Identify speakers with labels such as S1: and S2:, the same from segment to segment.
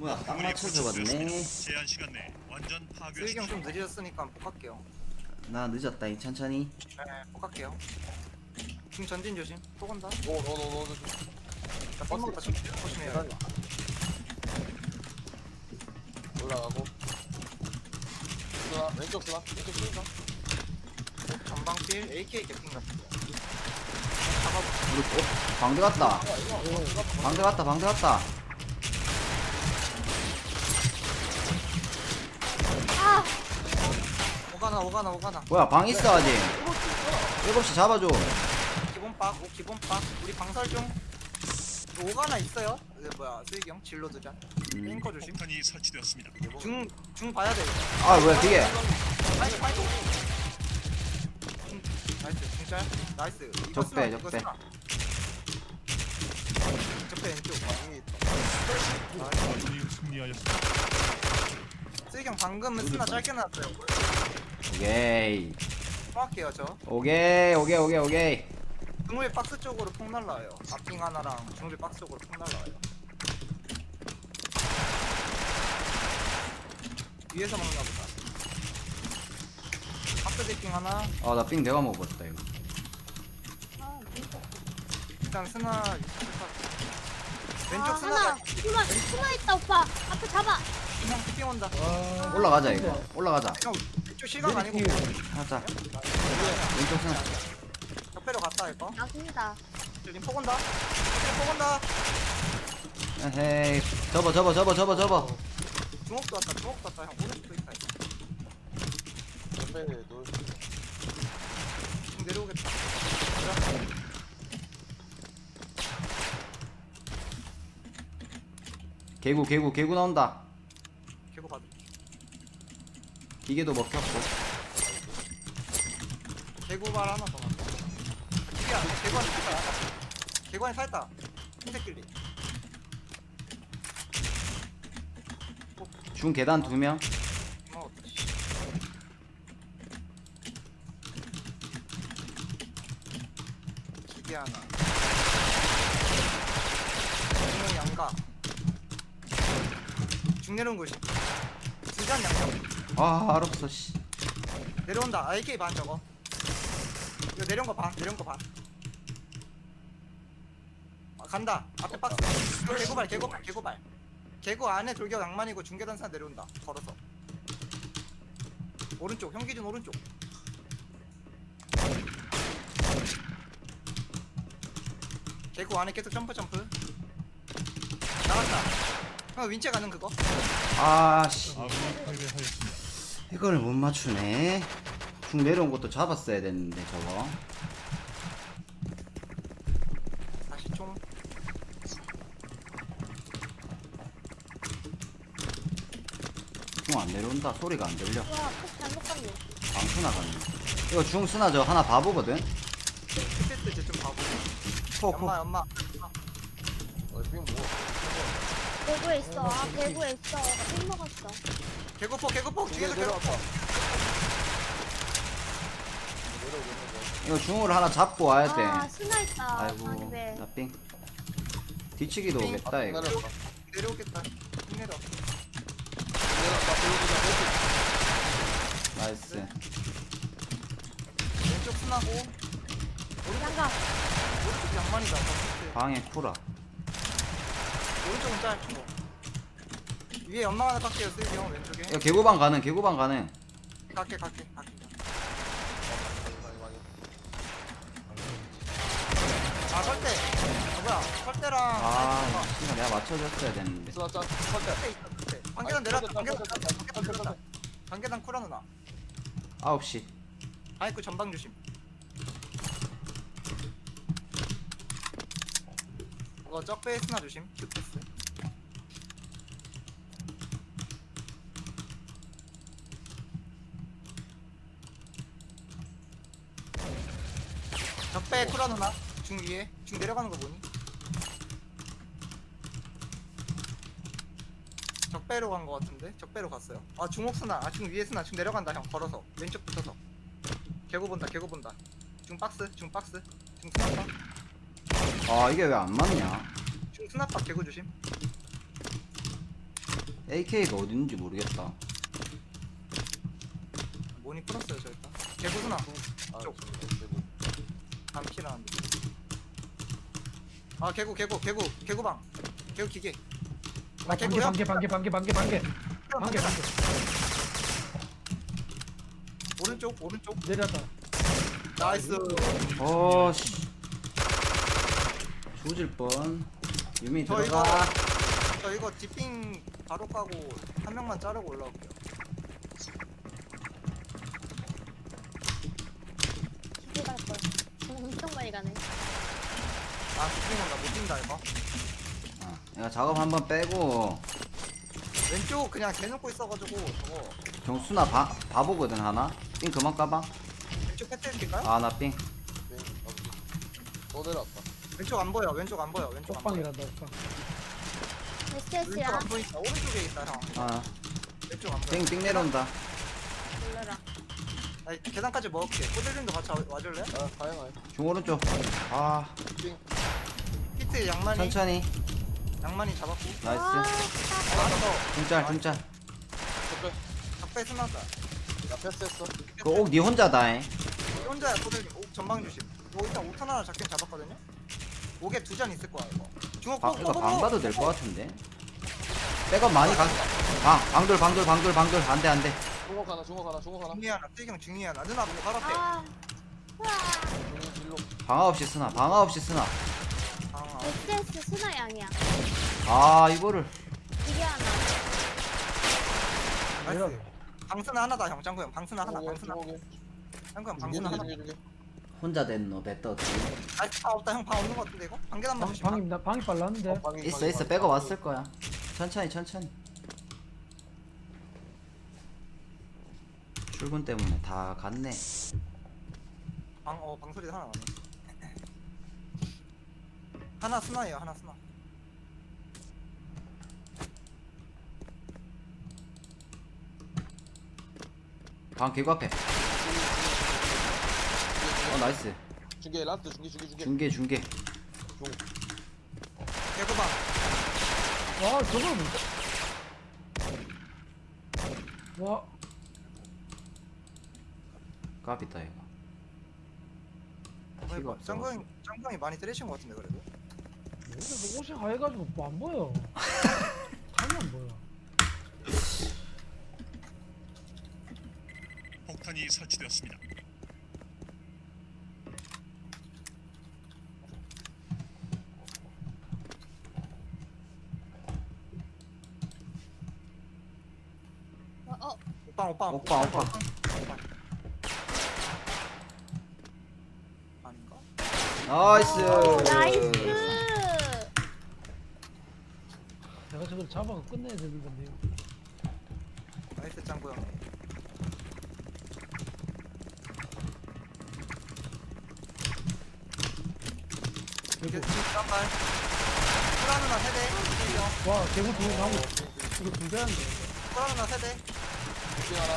S1: 뭐야 딱 맞춰 잡았네.
S2: 제한 시간 내 완전
S3: 슬기형 좀
S2: 파괴하십시오.
S3: 늦어졌으니까 복할게요.
S1: 나 늦었다 이 천천히.
S3: 네, 복할게요. 지금 전진 조심. 또 간다.
S4: 노노노노
S3: 나 뻔먹었다. 조심해요.
S4: 올라가고 쓰나 왼쪽 쓰나 왼쪽 쓰나
S3: 전방필 AK 개핑 같은 거. 잡아보.
S1: 우리 방대 갔다. 방대 갔다. 방대 갔다.
S5: 아!
S3: 오가나.
S1: 뭐야 방 있어 아직. 7시 잡아줘.
S3: 기본박, 기본박. 우리 방설 중. 오가나 있어요? 뭐야, 슬기형 진로드전. 앵커 조심.
S2: 폭탄이 설치되었습니다.
S3: 중 봐야 돼. 이거.
S1: 아 뭐야 뒤에.
S3: 파이트. 나이스, 중짤. 나이스. 이거
S1: 적배,
S3: 쓰나, 이거
S1: 적배.
S3: 쓰나. 적배 왼쪽.
S2: 아군이 승리하였습니다.
S3: 슬기형 방금은 쓰나 짧게 나왔어요.
S1: 오케이.
S3: 통할게요, 저.
S1: 오케이.
S3: 중물 박스 쪽으로 폭 날라와요. 앞빙 하나랑 중물 박스 쪽으로 폭 날라와요. 위에서 먹나 보다. 박스 디핑 하나.
S1: 아 나 삥 내가 먹었다 이거.
S3: 일단 스나 왼쪽
S5: 아,
S3: 스나
S5: 하나! 숨어 있다, 오빠! 앞에 잡아!
S3: 그냥 디핑 온다.
S1: 올라가자 이거. 올라가자.
S3: 형 왼쪽 실각 아니고
S1: 하자. 왼쪽 스나.
S3: 옆에로 갔다 이거.
S5: 나습니다.
S3: 림 폭 온다. 폭 온다.
S1: 에헤이. 접어.
S3: 중옥도 왔다. 형 오른쪽도 있다. 이거.
S4: 옆에 놀
S3: 지금 내려오겠다.
S1: 개구 나온다.
S3: 개고 봐도.
S1: 기계도 먹혔고.
S3: 개고발 하나 더 나왔다. 기계 안 돼. 개고안에 살다. 개고안에 살다. 흰색 길리.
S1: 중 계단 2명.
S3: 어, 기계 하나. 중은 양가. 중 내려온 곳이. 중간 양가.
S1: 아 알았어 씨.
S3: 내려온다. AK 반 저거. 이거 내려온 거 반. 아, 간다. 앞에 박스. 개고발. 개고 안에 돌격 낭만이고 중계단사 내려온다. 걸어서. 오른쪽. 형기준 오른쪽. 개고 안에 계속 점프. 나갔다. 형 윈체 가는 그거.
S1: 아씨.
S2: 아군이 패배하였습니다.
S1: 이걸 못 맞추네. 중 내려온 것도 잡았어야 됐는데 저거.
S3: 다시 총.
S1: 중 안 내려온다. 소리가 안 들려.
S5: 우와, 폭 잘못 갔네.
S1: 방수 나갔네. 이거 중 쓰나 저 하나 봐보거든.
S3: 스테스 쟤좀 봐보.
S1: 포.
S3: 엄마.
S4: 빙 뭐?
S5: 배구에 있어. 아, 배구에 있어. 나폭 먹었어.
S3: 개고폭. 뒤에서
S4: 내려왔다.
S3: 개고폭.
S1: 이거 중으로 하나 잡고 와야 돼.
S5: 아, 스나 있다.
S1: 아이고
S5: 아니, 왜.
S1: 나삥. 뒤치기도
S3: 삥.
S1: 오겠다 이거.
S3: 내려오겠다. 내려.
S1: 나이스.
S3: 왼쪽 순하고
S5: 양가.
S3: 오른쪽 양만이다.
S1: 방에 쿠라.
S3: 오른쪽은 짧고 위에 연막 하나 깎게요. 슬기 형 왼쪽에.
S1: 이거 개구방 가능.
S3: 갈게. 아 설대. 뭐야? 설대랑
S1: 아 씨가 내가 맞춰줬어야 됐는데.
S4: 쓰나 짜 설대
S3: 설대 있어. 설대. 반계단 내려왔다. 반계단 쿠라 누나.
S1: 9시.
S3: 아이쿠 전방 조심. 이거 적베이스나 조심. 큐패스. 적배 쿠라 누나. 중 위에. 중 내려가는 거 보니? 적배로 간 거 같은데? 적배로 갔어요. 아 중옥 스나. 중 위에 스나. 중 내려간다 형. 걸어서 왼쪽 붙어서. 개고 본다. 중 박스. 중 스나파.
S1: 아 이게 왜 안 맞냐?
S3: 중 스나파 개고 조심.
S1: AK가 어딘지 모르겠다.
S3: 모니 풀었어요 저 일단. 개구수나.
S4: 아
S3: 쪽.
S4: 대구.
S3: 담키라는데. 아 개구방. 개구 기계. 아 개구야?
S6: 반개
S3: 오른쪽.
S6: 내렸다.
S3: 나이스.
S1: 씨. 조질 뻔. 유미
S3: 저
S1: 들어가.
S3: 저 이거 디핑 바로 까고 한 명만 자르고 올라올게요.
S5: 기계 갈 걸. 엄청 많이 가네.
S3: 아 디핑 온다. 못 뛴다 이거.
S1: 내가 작업 한번 빼고
S3: 왼쪽 그냥 대놓고 있어가지고 저거
S1: 정수나 바보거든 하나. 삥 그만 까봐.
S3: 왼쪽 패트 해줄까요?
S1: 아 나 삥.
S4: 네, 또 내려왔다.
S3: 왼쪽 안 보여. 왼쪽 안 보여.
S6: 옥방이란다 옥방.
S3: 왼쪽
S5: SS야.
S3: 안 보인다. 오른쪽에 있다 형.
S1: 아
S3: 왼쪽 안 보여.
S1: 삥 내려온다.
S5: 놀래라.
S3: 아니 계단까지 먹을게. 꼬들님도 같이 와줄래?
S4: 아 다양해.
S1: 중오른쪽. 아
S4: 빙.
S3: 히트 양만이
S1: 천천히.
S3: 양만이 잡았고.
S1: 나이스.
S3: 알았어.
S1: 중짤.
S4: 적배.
S3: 적배 스나다.
S4: 나 패스했어.
S1: 그옥니 혼자다잉.
S3: 혼자야 꼬들님. 옥 전방 조심. 오 일단 5턴 하나 잡긴 잡았거든요. 옥에 2잔 있을 거야 이거. 중옥
S1: 이거 방 봐도 될 것 같은데. 백업 많이 가. 방돌 안돼.
S4: 중국 하나.
S3: 중리 하나. 뜨경 중리 하나. 누나 보고 바로 앞에.
S5: 아. 우와.
S4: 중국 진로.
S1: 방아 없이 쓰나.
S3: 아,
S5: SS 스나 양이야.
S1: 아 이거를.
S5: 기계 하나.
S3: 나이스. 방스나 하나다 형. 짱구 형. 방스나 하나. 방스나.
S4: 중국에.
S3: 짱구 형 방스나 하나.
S4: 중국에.
S1: 혼자 됐노 배떠.
S3: 나이스. 방 없다 형. 방 없는 거 같은데 이거? 방계단만 조심.
S6: 방이 빨랐는데.
S1: 있어 백업 왔을 거야. 천천히. 출근 때문에 다 갔네.
S3: 방소리 하나 나네. 하나 스나예요. 하나 스나.
S1: 방 개구 앞에. 나이스.
S4: 중계 라스트 중계.
S1: 중계.
S3: 개구방.
S6: 와 저걸 뭐? 와
S1: 까비다 이거. 피가 없어.
S3: 짱구 형이 많이 때리신 것 같은데 그래도.
S6: 근데 옷이 하얘가지고 뭐 안 보여. 감이 안 보여.
S2: 폭탄이 설치되었습니다.
S5: 오빠.
S3: 오빠. 아닌가?
S1: 나이스.
S5: 나이스.
S6: 내가 저걸 잡아서 끝내야 되는 건데.
S3: 나이스 짱구 형. 이게 깜발. 프라 누나 세대. 이경.
S6: 와 개구 두개 나오고 이거 두 개한데.
S3: 프라 누나 세대.
S4: 중계 하나.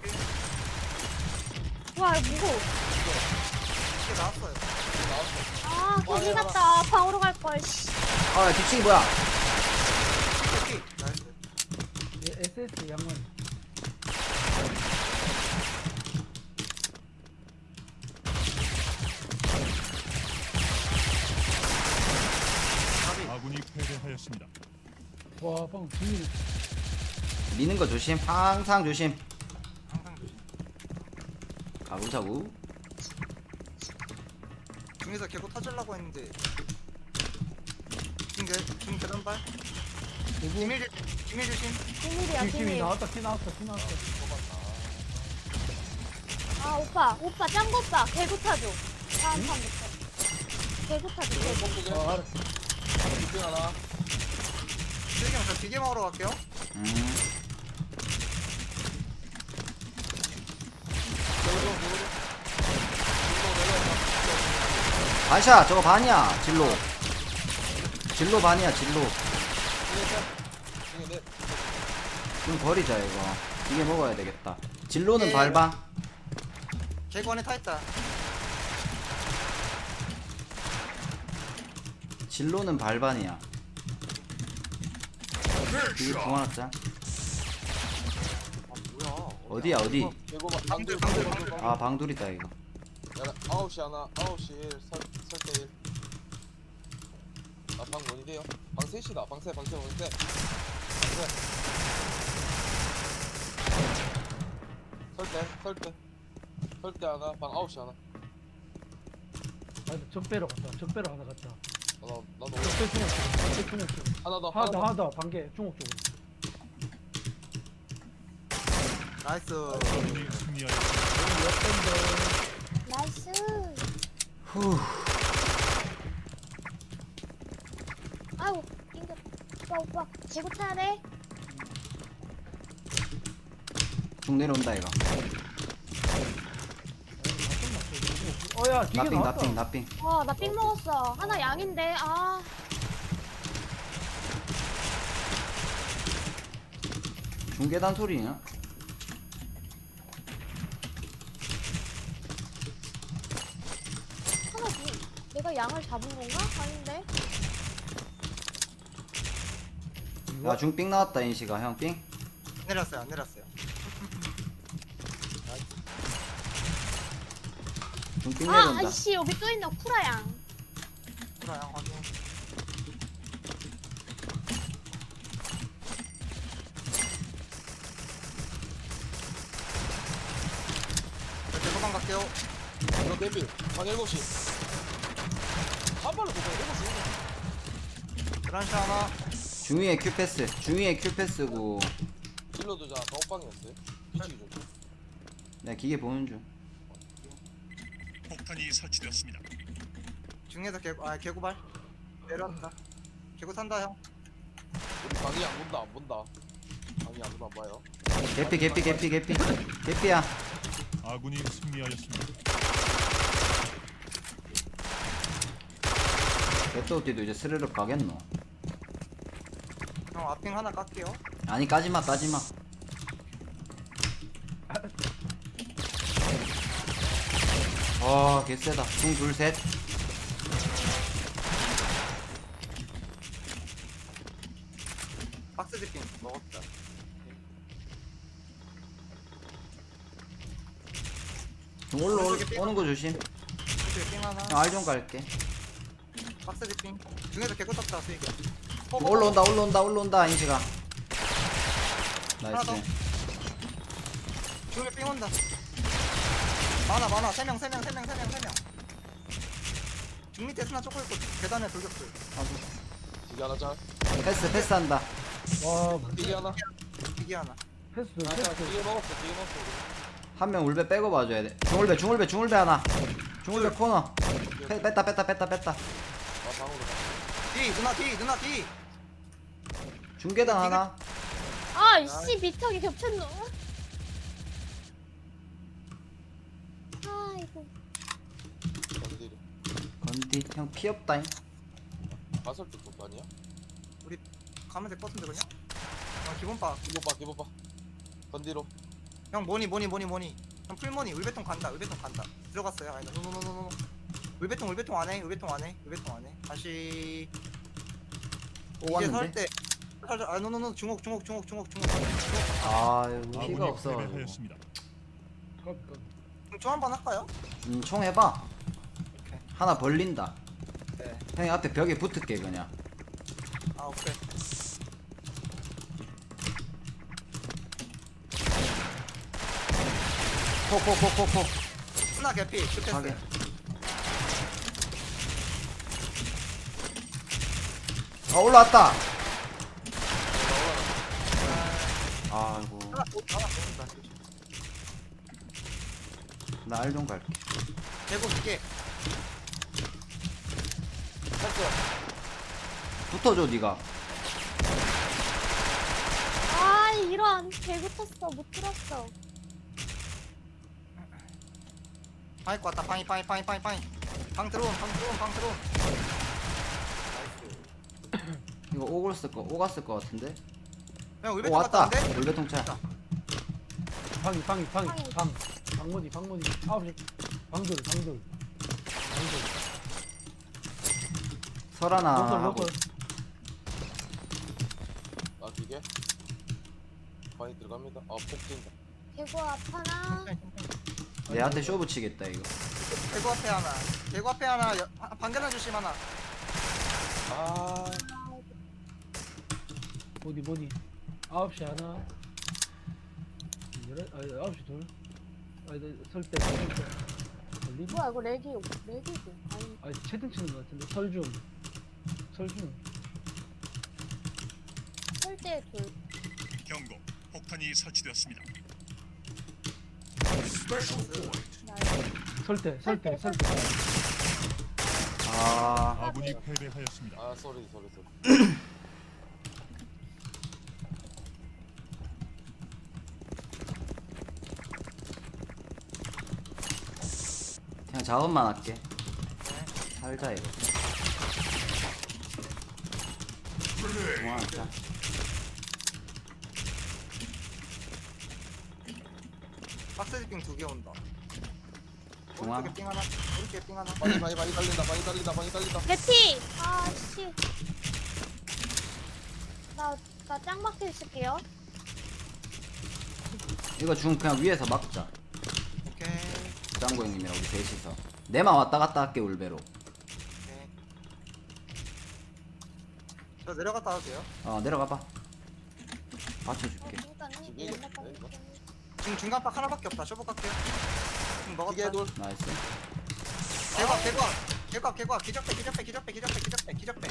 S5: 와 이거 무거워.
S3: 이게 나왔어요.
S5: 아 거기 갔다. 방으로 갈 걸. 씨.
S1: 아 뒤치기 뭐야?
S3: 오케이. 나이스.
S6: SS 양만.
S2: 아군이 패배하였습니다.
S6: 와 방금 중이
S1: 미는 거 조심. 항상 조심.
S3: 항상 조심.
S1: 가보자고.
S3: 중에서 개고 터질라고 했는데. 중 계단발. 비밀 조심.
S5: 비밀이야
S6: 팀이
S5: 비밀.
S6: 나왔다 티 나왔어.
S5: 아 오빠 짱구 오빠 개구 타줘. 다음 판부터. 개구 타줘. 개구.
S6: 아 알았어.
S4: 중계 하나.
S3: 슬경 저 기계 먹으러 갈게요.
S1: 반샷 저거 반이야. 진로 반이야.
S4: 중계 넷.
S1: 좀 버리자 이거. 이게 먹어야 되겠다. 진로는
S3: 예.
S1: 밟아.
S3: 개구 안에 타 있다.
S1: 진로는 발반이야. 이게 중앙 자 어디야 어디?
S4: 개고 봐.
S3: 방들,
S4: 방들
S3: 방들,
S4: 방들 방들.
S1: 아 방돌이다 이거.
S4: 야 9시 하나 9시 1 설대 1. 아방 뭐니 돼요? 방 셋이다. 방세 방세. 설대 하나 방 9시 하나.
S6: 아니 적배로 갔다. 적배로 하나 갔다.
S4: 나도
S6: 적배 중옥 쪽. 적배 중옥 쪽.
S4: 하나 더
S6: 하나 더 반개 중옥 쪽으로.
S3: 나이스.
S2: 아군이 승리하였습니다.
S5: 나이스.
S1: 후.
S5: 아우 낑겼. 오빠 개구 타야 돼.
S1: 중 내려온다 이거.
S6: 어야 기계
S1: 나삥
S6: 나왔다.
S1: 나삥.
S5: 나 삥 먹었어. 하나 양인데. 아.
S1: 중계단 소리냐?
S5: 하나 내가 양을 잡은 건가? 아닌데.
S1: 야 중삥 나왔다 인시가 형 삥.
S3: 내렸어요. 안 내렸어요.
S1: 중삥
S5: 아,
S1: 내려온다.
S5: 아이씨 여기 또 있네 쿠라양.
S3: 그래요. 확인. 저 도망 갈게요.
S4: 이거 데빌 방 7시. 한 발로 보자. 7시.
S3: 드란시 하나.
S1: 중위에 큐 패스. 중위에 큐 패스고.
S4: 딜러도 자 가옥방이었어요. 뒤치기 좀.
S1: 내가 기계 보는 중.
S2: 폭탄이 설치되었습니다.
S3: 중에서 개구발. 내려왔다. 개구 산다 형.
S4: 우리 방이 안 본다 안 본다. 방이 안 본다 안 봐요.
S1: 개피. 개피야.
S2: 아군이 승리하였습니다.
S1: 개또띠도 이제 스르륵 가겠노.
S3: 형 앞핑 하나 깎게요.
S1: 아니 까지마. 개쎄다. 중 둘 셋.
S3: 박스 디핑 먹었다.
S1: 중 오는 거 조심.
S3: 이쪽에 핑 하나.
S1: 형 알 좀 갈게.
S3: 박스 디핑. 중에서 개구 떴다 수익이.
S1: 올라온다 인시가.
S3: 하나 더.
S1: 나이스.
S3: 중에 삥 온다. 많아. 3명. 중 밑에 스나 쪼고 있고 계단에 돌격들.
S4: 기계 하나 짤.
S1: 패스한다.
S6: 와
S4: 기계 하나.
S3: 기계 하나.
S6: 패스
S4: 아, 자,
S6: 패스.
S4: 기계 먹었어. 우리.
S1: 한 명 울배 빼고 봐줘야 돼. 중울배 하나. 중울배 코너. 뺐다.
S4: 아 방으로 가.
S3: 누나 뒤.
S1: 중계단 하나.
S5: 아이씨 미터기 겹쳤노. 아이고.
S4: 어디들이?
S1: 건디 형 피 없다잉.
S4: 가설 쪽 아니야?
S3: 가면 될 것 같은데 그냥. 기본 봐.
S4: 기본 봐. 건디로.
S3: 형 뭐니. 형 풀머니 울베통 간다. 들어갔어요. 아니 노노노노노. 울베통 안 해. 다시
S1: 오
S3: 이제
S1: 왔는데.
S3: 설때 노노노 중옥.
S1: 아 피가
S2: 아군이
S1: 없어.
S2: 패배하였습니다.
S3: 총 한번 할까요?
S1: 총 해봐.
S3: 오케이.
S1: 하나 벌린다.
S3: 네.
S1: 형이 앞에 벽에 붙을게 그냥.
S3: 오케이.
S1: 포.
S3: 스나 개피.
S1: 하게.
S3: 슈패스.
S1: 올라왔다. 아이고.
S3: 하나 보인다.
S1: 나 알 좀 갈게.
S3: 대고 두개.
S1: 붙어줘 네가.
S5: 아 이런 개구 탔어 못 들었어.
S3: 방이 왔다. 방이. 방 들어온.
S1: 이거 오갔을 거 같은데.
S3: 형
S1: 오
S3: 울베통
S1: 왔다.
S3: 갔다는데?
S1: 울배통 차.
S6: 방이 방모디 9시 방돌
S1: 설하나 하고.
S6: 로컬
S4: 아 기계. 방이 들어갑니다. 폭 뛴다.
S5: 개구 앞 하나.
S1: 내한테 쇼 붙이겠다 이거.
S3: 개구 앞에 하나. 개구 앞에 하나. 반개나 조심 하나.
S4: 아
S6: 뭐니 9시 하나 9시 둘 아니 설대 걸리?
S5: 뭐야 이거 렉이지. 아니
S6: 아니 채팅 치는 거 같은데 설중
S5: 설대 둘.
S2: 경고. 폭탄이 설치되었습니다.
S6: 설대
S1: 아
S2: 아군이 패배하였습니다.
S4: 아 쏘리
S1: 그냥 작업만 할게. 살자 이거. 중앙하자.
S3: 박스 지핑 2개 온다.
S1: 중앙.
S3: 오른쪽에 삥 하나. 오른쪽에 삥 하나.
S4: 많이 달린다
S5: 개피. 아씨. 나 짱박혀 있을게요.
S1: 이거 중 그냥 위에서 막자.
S3: 오케이.
S1: 짱구 형님이랑 우리 셋이서. 내만 왔다 갔다 할게 울베로.
S3: 오케이. 저 내려갔다 와도 돼요?
S1: 내려가봐. 받쳐줄게.
S4: 이게 이거?
S3: 지금 중간 박 하나밖에 없다. 쇼부 깎게요. 지금 먹었다.
S4: 기계 돌
S1: 나이스.
S3: 개과. 기적배.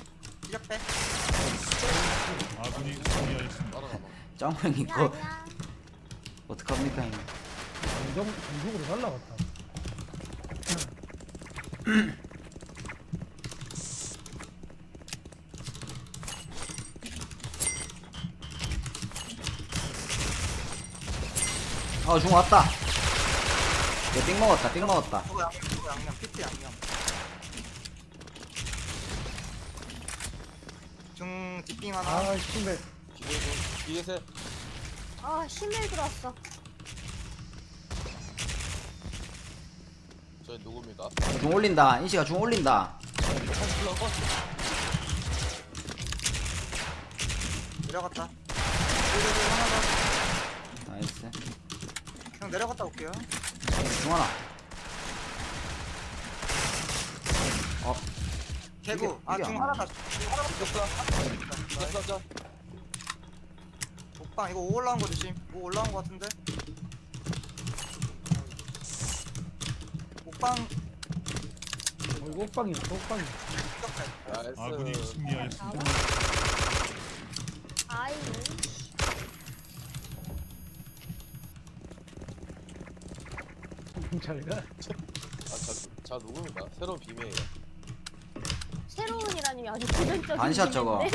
S2: 아군이 승리하였습니다.
S4: 따라가봐
S1: 짱구 형님
S5: 야
S1: 이거
S5: 아니야.
S1: 어떡합니까 형님.
S6: 정적으로 날라갔다
S1: 중 왔다. 얘 삥 먹었다.
S3: 저거 양념. 피트 양념. 중 뒷빙 하나.
S6: 아 신발
S4: 기계 돌 기계 셋
S5: 아 신밀 들어왔어.
S4: 저희 누굽니까?
S1: 중 올린다. 인시가 중 올린다.
S3: 내려갔다. 하나
S1: 나이스.
S3: 더. 그냥 내려갔다 올게요.
S1: 중 하나.
S3: 개구.
S1: 이게
S3: 중
S1: 안
S3: 하나다. 중 하나밖에 없어.
S4: 자
S3: 옥방 이거 5 올라온 거 조심. 5 올라온 거 같은데. 옥방
S6: 이거 옥방이야
S3: 기적배.
S2: 아군이
S4: 나이스
S2: 승리하였습니다.
S5: 아이.
S6: 잘가
S4: 자 누굽니까? 새로운 비밀이에요
S5: 새로운이라니 아주 기본적인.
S1: 반샷 저거.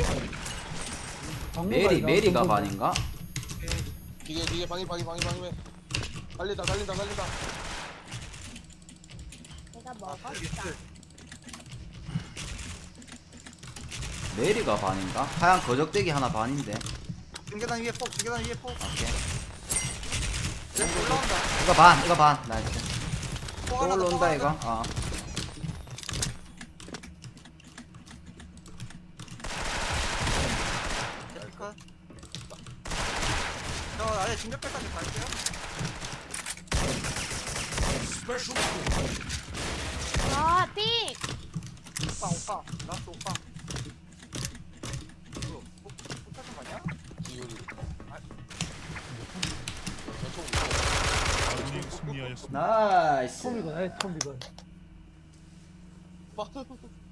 S6: 방금
S1: 메리가 반인가?
S4: 기계 방이 달린다
S5: 내가 먹었다.
S1: 메리가 반인가? 하얀 거적대기 하나 반인데.
S3: 중계단 위에 폭.
S1: 오케이.
S3: 네, 올라온다.
S1: 이거 반. 나이스.
S3: 폭
S1: 또
S3: 하나 더,
S1: 올라온다
S3: 폭
S1: 이거.
S3: 하나 더. 컷. 저 아예 진격배까지 갈게요.
S5: 아 삥.
S3: 오빠. 라스트 오빠. 이거 폭 터진 거 아니야?
S4: 기울이
S2: 아군이 승리하였습니다.
S1: 나이스.
S6: 톰이건
S4: 저총